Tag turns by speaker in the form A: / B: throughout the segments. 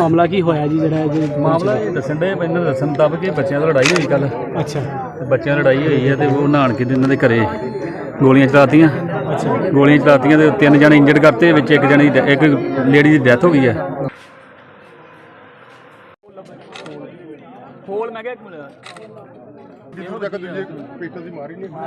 A: ਮਾਮਲਾ ਕੀ ਹੋਇਆ ਜੀ ਜਿਹੜਾ
B: ਮਾਮਲਾ ਇਹ ਦੱਸਣ ਦੇ ਇਹਨਾਂ ਦੇ ਦੱਸਣ ਮੁਤਾਬਕ ਕਿ ਬੱਚਿਆਂ ਦੀ ਲੜਾਈ ਹੋਈ ਕੱਲ।
A: ਅੱਛਾ।
B: ਬੱਚਿਆਂ ਦੀ ਲੜਾਈ ਹੋਈ ਹੈ ਤੇ ਉਹ ਨਹਾਣ ਕੇ ਇਹਨਾਂ ਦੇ ਘਰੇ ਗੋਲੀਆਂ ਚਲਾਤੀਆਂ।
A: ਅੱਛਾ।
B: ਗੋਲੀਆਂ ਚਲਾਤੀਆਂ ਤੇ 3 ਜਣੇ ਇੰਜਰਡ ਕਰਤੇ, ਵਿੱਚ ਇੱਕ ਲੇਡੀ ਦੀ ਡੈਥ ਹੋ ਗਈ ਹੈ।
A: ਖੋਲ ਮੈਂ ਕਿਹਾ ਇੱਕ ਮਿੰਟ
C: ਇਹੋ ਤੱਕ ਦੂਜੇ ਪੇਟਾਂ ਦੀ ਮਾਰੀ ਨਹੀਂ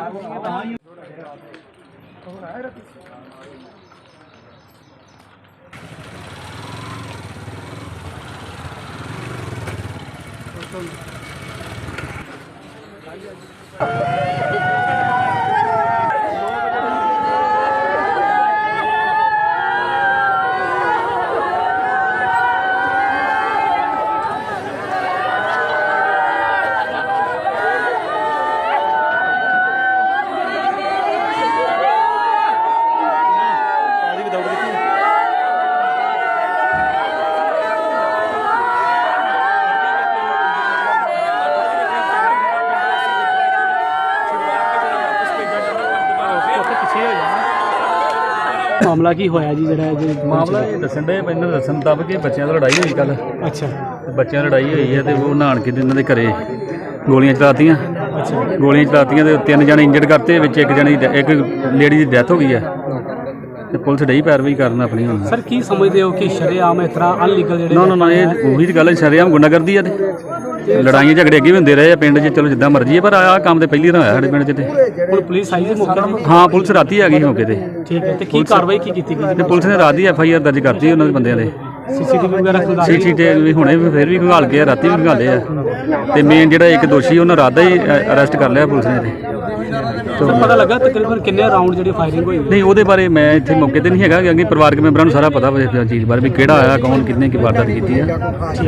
A: ਮਾਮਲਾ ਕੀ ਹੋਇਆ ਜੀ ਜਿਹੜਾ
B: ਮਾਮਲਾ ਇਹ ਦੱਸਣ ਦੇ ਇਹਨਾਂ ਦੇ ਦੱਸਣ ਮੁਤਾਬਕ ਕਿ ਬੱਚਿਆਂ ਦੀ ਲੜਾਈ ਹੋਈ ਕੱਲ।
A: ਅੱਛਾ।
B: ਬੱਚਿਆਂ ਦੀ ਲੜਾਈ ਹੋਈ ਹੈ ਤੇ ਉਹ ਨਹਾਣ ਕੇ ਇਹਨਾਂ ਦੇ ਘਰੇ ਗੋਲੀਆਂ ਚਲਾਤੀਆਂ।
A: ਅੱਛਾ।
B: ਗੋਲੀਆਂ ਚਲਾਤੀਆਂ ਤੇ 3 ਜਣੇ ਇੰਜਰਡ ਕਰਤੇ, ਵਿੱਚ ਇੱਕ ਲੇਡੀ ਦੀ ਡੈਥ ਹੋ ਗਈ ਹੈ ਤੇ ਪੁਲਿਸ ਡਈ ਪੈਰਵਾਈ ਕਰਨ ਆਪਣੀ ਹੁਣ।
A: ਸਰ ਕੀ ਸਮਝਦੇ ਹੋ ਕਿ ਸ਼ਰੇਆਮ ਇਸ ਤਰ੍ਹਾਂ ਅਨਲੀਗਲ ਜਿਹੜੇ
B: ਨਾ ਇਹ ਉਹੀ ਤਾਂ ਗੱਲ ਹੈ, ਸ਼ਰੇਆਮ ਗੁੰਡਾਗਰਦੀ ਆ ਤੇ ਲੜਾਈਆਂ ਝਗੜੇ ਅੱਗੇ ਵੀ ਹੁੰਦੇ ਰਹੇ ਆ ਪਿੰਡ 'ਚ। ਚਲੋ ਜਿੱਦਾਂ ਮਰਜ਼ੀ ਹੈ, ਪਰ ਆਹ ਕੰਮ ਤੇ ਪਹਿਲੀ ਵਾਰ ਹੋਇਆ ਸਾਡੇ ਪਿੰਡ 'ਚ। ਤੇ
A: ਹੁਣ ਪੁਲਿਸ ਆਈ ਸੀ ਮੌਕੇ ਤੇ?
B: ਹਾਂ, ਪੁਲਿਸ ਰਾਤੀ ਆ ਗਈ ਮੌਕੇ ਤੇ।
A: ਠੀਕ ਹੈ। ਤੇ ਕੀ ਕਾਰਵਾਈ ਕੀ ਕੀਤੀ ਗਈ?
B: ਤੇ ਪੁਲਿਸ ਨੇ ਰਾਤ ਦੀ FIR ਦਰਜ ਕਰਤੀ ਉਹਨਾਂ ਦੇ ਬੰਦਿਆਂ ਦੇ।
A: CCTV ਵਗੈਰਾ ਖੁਦਾ
B: CCTV ਹੁਣੇ ਫਿਰ ਵੀ ਖੰਗਾਲ ਕੇ ਰਾਤੀ ਵੀ ਖੰਗਾਲੇ ਆ ਤੇ ਮੇਨ ਜਿਹੜਾ ਇੱਕ ਦੋਸ਼ੀ ਉਹਨਾਂ ਰਾਤ ਦਾ ਹੀ ਅਰੈਸਟ ਕਰ ਲਿਆ ਪੁਲਿਸ ਨੇ।
A: ਸਰ ਪਤਾ ਲੱਗਾ ਤਕਰੀਬਨ ਕਿੰਨੇ ਰਾਉਂਡ ਜਿਹੜੀ ਫਾਇਰਿੰਗ ਹੋਈ?
B: ਨਹੀਂ, ਉਹਦੇ ਬਾਰੇ ਮੈਂ ਇੱਥੇ ਮੌਕੇ ਤੇ ਨਹੀਂ ਹੈਗਾ, ਕਿਉਂਕਿ ਪਰਿਵਾਰਕ ਮੈਂਬਰਾਂ ਨੂੰ ਸਾਰਾ ਪਤਾ ਵਾ ਚੀਜ਼ ਬਾਰੇ ਵੀ ਕਿਹੜਾ ਆਇਆ, ਕੌਣ, ਕਿੰਨੇ ਕੀ ਵਾਰਦਾਤ ਕੀਤੀ ਆ।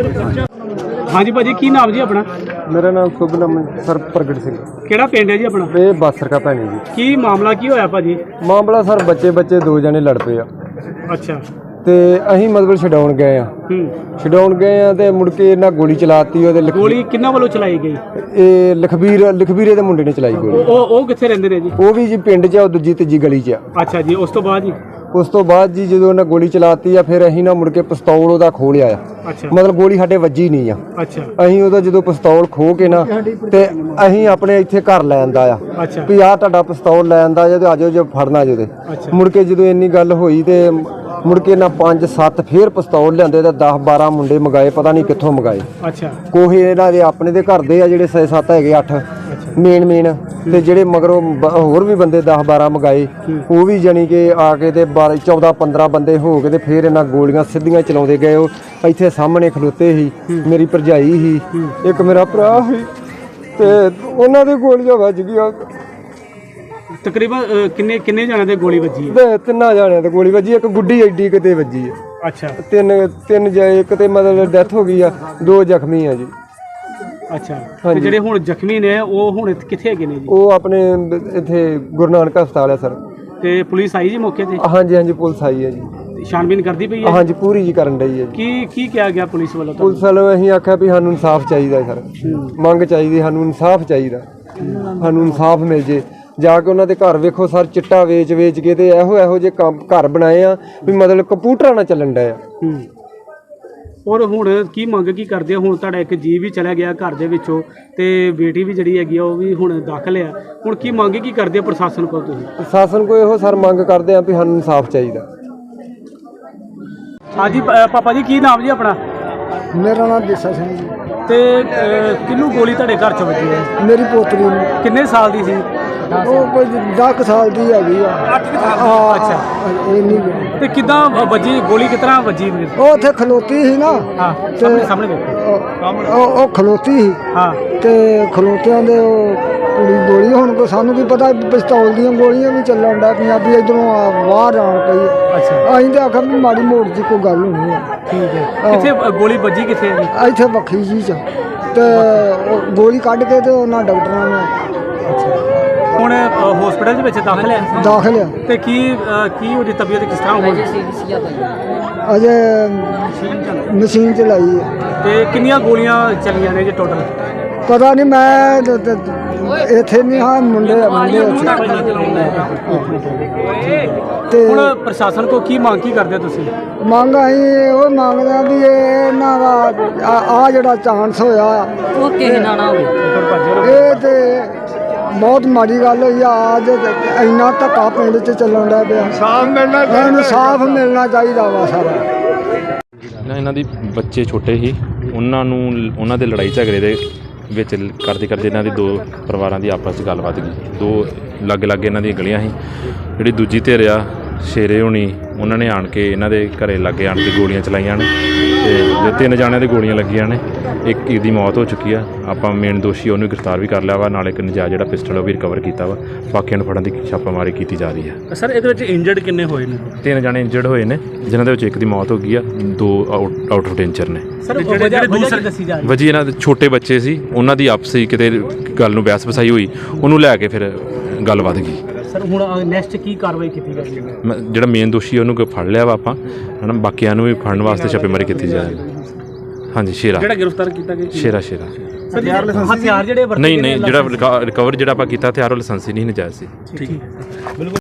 A: ਹਾਂਜੀ ਭਾਜੀ, ਕੀ ਨਾਮ ਜੀ ਆਪਣਾ?
C: ਮੇਰਾ ਨਾਮ ਸੁਭਨਮ ਸਰ ਪ੍ਰਗਟ ਸਿੰਘ।
A: ਕਿਹੜਾ ਪਿੰਡ ਹੈ ਜੀ ਆਪਣਾ?
C: ਇਹ ਬਾਸਰਕਾ ਭੈਣੀ ਜੀ।
A: ਕੀ ਮਾਮਲਾ ਕੀ ਹੋਇਆ ਭਾਜੀ?
C: ਮਾਮਲਾ ਸਰ ਬੱਚੇ 2 ਜਣੇ ਲੜ ਪਏ ਆ
A: ਅੱਛਾ।
C: ਤੇ ਅਸੀਂ ਮਤਲਬ ਛਡਾਉਣ ਗਏ ਆ ਤੇ ਮੁੜ ਕੇ ਇਹਨਾਂ ਗੋਲੀ ਚਲਾਤੀ। ਉਹਦੇ
A: ਗੋਲੀ ਕਿੰਨਾਂ ਵੱਲੋਂ ਚਲਾਈ ਗਈ?
C: ਇਹ ਲਖਬੀਰੇ ਦੇ ਮੁੰਡੇ ਨੇ ਚਲਾਈ ਗੋਲੀ।
A: ਉਹ ਕਿੱਥੇ ਰਹਿੰਦੇ ਨੇ ਜੀ?
C: ਉਹ ਵੀ ਜੀ ਪਿੰਡ 'ਚ ਆ, ਉਹ ਦੂਜੀ ਤੀਜੀ ਗਲੀ 'ਚ ਆ।
A: ਅੱਛਾ ਜੀ। ਉਸ ਤੋਂ ਬਾਅਦ ਜੀ ਜਦੋਂ ਉਹਨਾਂ ਗੋਲੀ ਚਲਾਤੀ ਆ, ਫਿਰ ਅਸੀਂ ਨਾ ਮੁੜ ਕੇ ਪਿਸਤੌਲ ਉਹਦਾ ਖੋਹ ਲਿਆ ਆ। ਅੱਛਾ।
C: ਮਤਲਬ ਗੋਲੀ ਸਾਡੇ ਵੱਜੀ ਨਹੀਂ ਆ।
A: ਅੱਛਾ।
C: ਅਸੀਂ ਉਹਦਾ ਜਦੋਂ ਪਿਸਤੌਲ ਖੋਹ ਕੇ ਨਾ ਤੇ ਅਸੀਂ ਆਪਣੇ ਇੱਥੇ ਘਰ ਲੈ ਆਂਦਾ ਆ
A: ਅੱਛਾ।
C: ਵੀ ਆਹ ਤੁਹਾਡਾ ਪਿਸਤੌਲ ਲੈ ਆਂਦਾ ਜਾਂ ਤੇ ਆਜੋ ਜੇ ਫੜਨਾ ਜੋ ਤੇ। ਮੁੜ ਕੇ ਜਦੋਂ ਇੰਨੀ ਗੱਲ ਹੋਈ ਤੇ ਮੁੜ ਕੇ ਨਾ 5-7 ਫੇਰ ਪਿਸਤੌਲ ਲਿਆਂਦੇ ਤੇ 10-12 ਮੁੰਡੇ ਮੰਗਾਏ, ਪਤਾ ਨਹੀਂ ਕਿੱਥੋਂ ਮੰਗਾਏ।
A: ਅੱਛਾ।
C: ਕੋਹੇ ਇਹਨਾਂ ਦੇ ਆਪਣੇ ਦੇ ਘਰ ਦੇ ਆ ਜਿਹੜੇ 6-7 ਹੈਗੇ, 8 ਮੇਨ ਤੇ ਜਿਹੜੇ ਮਗਰੋਂ ਹੋਰ ਵੀ ਬੰਦੇ 10-12 ਮੰਗਾਏ। ਉਹ ਵੀ ਜਾਣੀ ਕਿ ਆ ਕੇ ਤੇ 14-15 ਬੰਦੇ ਹੋ ਕੇ ਤੇ ਫੇਰ ਇਹਨਾਂ ਗੋਲੀਆਂ ਸਿੱਧੀਆਂ ਚਲਾਉਂਦੇ ਗਏ। ਉਹ ਇੱਥੇ ਸਾਹਮਣੇ ਖਲੋਤੇ ਸੀ, ਮੇਰੀ ਭਰਜਾਈ ਸੀ, ਇੱਕ ਮੇਰਾ ਭਰਾ ਸੀ ਤੇ ਉਹਨਾਂ ਦੇ ਗੋਲੀਆਂ ਵੱਜ ਗਈਆਂ।
A: ਤਕਰੀਬਨ ਕਿੰਨੇ ਜਣਿਆਂ ਦੇ ਗੋਲੀ ਵੱਜੀ ਹੈ?
C: ਤੇ 3 ਜਣਿਆਂ ਤੇ ਗੋਲੀ ਵੱਜੀ, ਇੱਕ ਗੁੱਡੀ ਐਡੀ ਕਿਤੇ ਵੱਜੀ ਹੈ।
A: ਅੱਛਾ।
C: ਤਿੰਨ ਇੱਕ ਤੇ ਮਤਲਬ ਡੈਥ ਹੋ ਗਈ ਆ, 2 ਜ਼ਖਮੀ ਆ ਜੀ।
A: ਅੱਛਾ। ਤੇ ਜਿਹੜੇ ਹੁਣ ਜ਼ਖਮੀ ਨੇ ਉਹ ਹੁਣ ਕਿੱਥੇ ਹੈਗੇ ਨੇ ਜੀ?
C: ਉਹ ਆਪਣੇ ਇੱਥੇ ਗੁਰੂ ਨਾਨਕ ਹਸਪਤਾਲ ਹੈ ਸਰ।
A: ਤੇ ਪੁਲਿਸ ਆਈ ਜੀ ਮੌਕੇ ਤੇ?
C: ਹਾਂਜੀ ਪੁਲਿਸ ਆਈ ਹੈ ਜੀ।
A: ਛਾਣਬੀਨ ਕਰਦੀ ਪਈ ਹੈ?
C: ਹਾਂਜੀ, ਪੂਰੀ ਜੀ ਕਰਨ ਡਈ ਹੈ ਜੀ।
A: ਕੀ ਕਿਹਾ ਗਿਆ ਪੁਲਿਸ ਵੱਲੋਂ?
C: ਪੁਲਿਸ ਵੱਲੋਂ ਅਸੀਂ ਆਖਿਆ ਵੀ ਸਾਨੂੰ ਇਨਸਾਫ ਚਾਹੀਦਾ ਸਰ, ਮੰਗ ਚਾਹੀਦੀ, ਸਾਨੂੰ ਇਨਸਾਫ ਚਾਹੀਦਾ, ਸਾਨੂੰ ਇਨਸਾਫ ਮਿਲ ਜੇ। ਜਾ ਕੇ ਉਹਨਾਂ ਦੇ ਘਰ ਵੇਖੋ ਸਰ, ਚਿੱਟਾ ਵੇਚ ਕੇ ਤੇ ਇਹੋ ਜਿਹੇ ਕੰਮ ਘਰ ਬਣਾਏ ਆ ਵੀ ਮਤਲਬ ਕੰਪਿਊਟਰਾਂ ਨਾਲ ਚੱਲਣ ਡਿਆ।
A: ਔਰ ਹੁਣ ਕੀ ਮੰਗ ਕੀ ਕਰਦੇ? ਹੁਣ ਤੁਹਾਡਾ ਇੱਕ ਜੀ ਵੀ ਚਲਾ ਗਿਆ ਘਰ ਦੇ ਵਿੱਚੋਂ ਤੇ ਬੇਟੀ ਵੀ ਜਿਹੜੀ ਹੈਗੀ ਆ ਉਹ ਵੀ ਹੁਣ ਦਾਖਲ ਆ। ਹੁਣ ਕੀ ਮੰਗ ਕੀ ਕਰਦੇ ਪ੍ਰਸ਼ਾਸਨ ਕੋਲ ਤੁਸੀਂ?
C: ਪ੍ਰਸ਼ਾਸਨ ਕੋਲ ਇਹੋ ਸਰ ਮੰਗ ਕਰਦੇ ਆ ਵੀ ਸਾਨੂੰ ਇਨਸਾਫ ਚਾਹੀਦਾ।
A: ਹਾਂਜੀ ਪਾਪਾ ਜੀ, ਕੀ ਨਾਮ ਜੀ ਆਪਣਾ?
C: ਮੇਰਾ ਨਾਮ ਦੇਸਾ ਸਿੰਘ ਜੀ।
A: ਤੇ ਕਿਹਨੂੰ ਗੋਲੀ ਤੁਹਾਡੇ ਘਰ ਚ ਵੱਜੀ ਹੈ?
C: ਮੇਰੀ ਪੋਤਰੀ ਨੂੰ।
A: ਕਿੰਨੇ ਸਾਲ ਦੀ ਸੀ?
C: ਉਹ ਕੋਈ 10 ਸਾਲ ਦੀ ਹੈਗੀ ਆ।
A: ਅੱਛਾ।
C: ਇੰਨੀ
A: ਤੇ ਕਿੱਦਾਂ ਵੱਜੀ ਗੋਲੀ? ਕਿਸ ਤਰ੍ਹਾਂ ਵੱਜੀ?
C: ਉਹ ਉੱਥੇ ਖਲੋਤੀ ਸੀ ਨਾ।
A: ਹਾਂ, ਸਾਹਮਣੇ ਵੇਖੋ।
C: ਉਹ ਖਲੋਤੀ ਸੀ।
A: ਹਾਂ।
C: ਤੇ ਖਲੋਤਿਆਂ ਦੇ ਉਹ ਕੁੜੀ ਗੋਲੀ, ਹੁਣ ਕੋ ਸਾਨੂੰ ਕੀ ਪਤਾ ਪਿਸਤੌਲ ਦੀਆਂ ਗੋਲੀਆਂ ਵੀ ਚੱਲਣ ਦਾ ਪੰਜਾਬੀ ਇਧਰੋਂ ਬਾਹਰ ਆਣ ਪਈ।
A: ਅੱਛਾ।
C: ਅਸੀਂ ਤਾਂ ਆਖਿਆ ਵੀ ਮਾੜੀ ਮੋੜ ਦੀ ਕੋਈ ਗੱਲ ਹੋਣੀ ਹੈ।
A: ਠੀਕ ਹੈ। ਕਿੱਥੇ ਗੋਲੀ ਵੱਜੀ? ਕਿੱਥੇ ਹੈ ਜੀ?
C: ਇੱਥੇ ਵੱਖਰੀ ਜੀ ਚ ਤੇ ਗੋਲੀ ਕੱਢ ਕੇ ਤੇ ਉਹਨਾਂ ਡਾਕਟਰਾਂ ਨੇ।
A: ਅੱਛਾ। ਹੁਣ ਹਸਪੀਟਲ ਦੇ ਵਿੱਚ ਦਾਖਲ
C: ਆ।
A: ਤੇ ਕੀ ਉਹਦੀ ਤਬੀਅਤ ਕਿਸ ਤਰ੍ਹਾਂ ਹੋਈ?
C: ਅਜੇ ਮਸ਼ੀਨ ਚਲਾਈ ਹੈ। ਤੇ
A: ਕਿੰਨੀਆਂ ਗੋਲੀਆਂ ਚੱਲੀਆਂ ਨੇ ਜੀ ਟੋਟਲ?
C: ਪਤਾ ਨਹੀਂ, ਮੈਂ ਇੱਥੇ ਨਹੀਂ ਹਾਂ, ਮੁੰਡੇ
A: ਤੇ ਹੁਣ ਪ੍ਰਸ਼ਾਸਨ ਕੋ ਕੀ ਮੰਗ ਕੀ ਕਰਦੇ ਤੁਸੀਂ?
C: ਮੰਗ ਅਸੀਂ ਉਹ ਮੰਗਦੇ ਆ ਵੀ ਇਹਨਾਂ ਦਾ
D: ਆ ਜਿਹੜਾ ਚਾਂਸ ਹੋਇਆ
E: ਉਹ ਕਿਸੇ ਨਾਲ ਨਾ ਹੋਵੇ।
D: ਇਹ ਤੇ ਬਹੁਤ ਮਾੜੀ ਗੱਲ ਹੋਈ ਆ। ਅੱਜ ਇੰਨਾ ਧੱਕਾ ਪਿੰਡ 'ਚ ਚੱਲਣ ਦਾ ਪਿਆ। ਇਨਸਾਫ ਮਿਲਣਾ ਚਾਹੀਦਾ ਵਾ ਸਾਰਾ।
F: ਇਹਨਾਂ ਦੀ ਬੱਚੇ ਛੋਟੇ ਸੀ, ਉਹਨਾਂ ਦੇ ਲੜਾਈ ਝਗੜੇ ਦੇ ਵਿੱਚ ਕਰਦੇ ਇਹਨਾਂ ਦੀ ਦੋ ਪਰਿਵਾਰਾਂ ਦੀ ਆਪਸ 'ਚ ਗੱਲਬਾਤ ਗਈ। ਦੋ ਲਾਗੇ ਇਹਨਾਂ ਦੀਆਂ ਗਲੀਆਂ ਸੀ। ਜਿਹੜੀ ਦੂਜੀ ਧਿਰ ਆ ਸ਼ੇਰੇ ਹੋਣੀ, ਉਹਨਾਂ ਨੇ ਆਣ ਕੇ ਇਹਨਾਂ ਦੇ ਘਰੇ ਲਾਗੇ ਆਣ ਕੇ ਗੋਲੀਆਂ ਚਲਾਈਆਂ ਨੇ ਤੇ ਜੋ 3 ਜਾਣਿਆਂ ਦੇ ਗੋਲੀਆਂ ਲੱਗੀਆਂ ਨੇ। ਇੱਕ ਦੀ ਮੌਤ ਹੋ ਚੁੱਕੀ ਆ। ਆਪਾਂ ਮੇਨ ਦੋਸ਼ੀ ਉਹਨੂੰ ਗ੍ਰਿਫਤਾਰ ਵੀ ਕਰ ਲਿਆ ਵਾ, ਨਾਲ ਇੱਕ ਨਜਾਇਜ਼ ਜਿਹੜਾ ਪਿਸਟਲ ਉਹ ਵੀ ਰਿਕਵਰ ਕੀਤਾ ਵਾ। ਬਾਕੀਆਂ ਨੂੰ ਫੜਨ ਦੀ ਛਾਪਾਮਾਰੀ ਕੀਤੀ ਜਾ ਰਹੀ ਆ।
A: ਸਰ ਇਹਦੇ ਵਿੱਚ ਇੰਜਰਡ ਕਿੰਨੇ ਹੋਏ ਨੇ?
F: 3 ਜਾਣੇ ਇੰਜਰਡ ਹੋਏ ਨੇ, ਜਿਨ੍ਹਾਂ ਦੇ ਵਿੱਚ ਇੱਕ ਦੀ ਮੌਤ ਹੋ ਗਈ ਆ, 2 ਆਊਟ ਆਫ ਡੇਂਜਰ ਨੇ।
A: ਸਰ ਜਿਹੜੇ ਦੂਸਰੇ ਦੱਸੀ ਜਾ ਰਹੀ
F: ਵਜੀ ਇਹਨਾਂ ਦੇ ਛੋਟੇ ਬੱਚੇ ਸੀ, ਉਹਨਾਂ ਦੀ ਆਪਸੀ ਕਿਤੇ ਗੱਲ ਨੂੰ ਬਹਿਸ ਵਸਾਈ ਹੋਈ, ਉਹਨੂੰ ਲੈ ਕੇ ਫਿਰ ਗੱਲ ਵੱਧ ਗਈ।
A: ਸਰ ਹੁਣ ਨੈਕਸਟ ਕੀ ਕਾਰਵਾਈ ਕੀਤੀ ਜਾਵੇਗੀ?
F: ਜਿਹੜਾ ਮੇਨ ਦੋਸ਼ੀ ਉਹਨੂੰ ਫੜ ਲਿਆ ਵਾ ਆਪਾਂ, ਹਨਾ। ਬਾਕੀਆਂ ਨੂੰ ਵੀ ਫੜਨ ਵਾਸਤੇ ਛਾਪੇਮਾਰੀ ਕੀਤੀ ਜਾਏਗੀ। ਹਾਂਜੀ, ਸ਼ੇਰਾ
A: ਜਿਹੜਾ ਗ੍ਰਿਫਤਾਰ ਕੀਤਾ ਗਿਆ
F: ਸ਼ੇਰਾ
A: ਹਥਿਆਰ ਜਿਹੜੇ ਵਰਤੇ
F: ਨਹੀਂ ਜਿਹੜਾ ਰਿਕਵਰ ਜਿਹੜਾ ਆਪਾਂ ਕੀਤਾ ਹਥਿਆਰ ਉਹ ਲਾਇਸੈਂਸੀ ਨਹੀਂ ਨਜਾਇਜ਼ ਸੀ।
A: ਠੀਕ ਹੈ।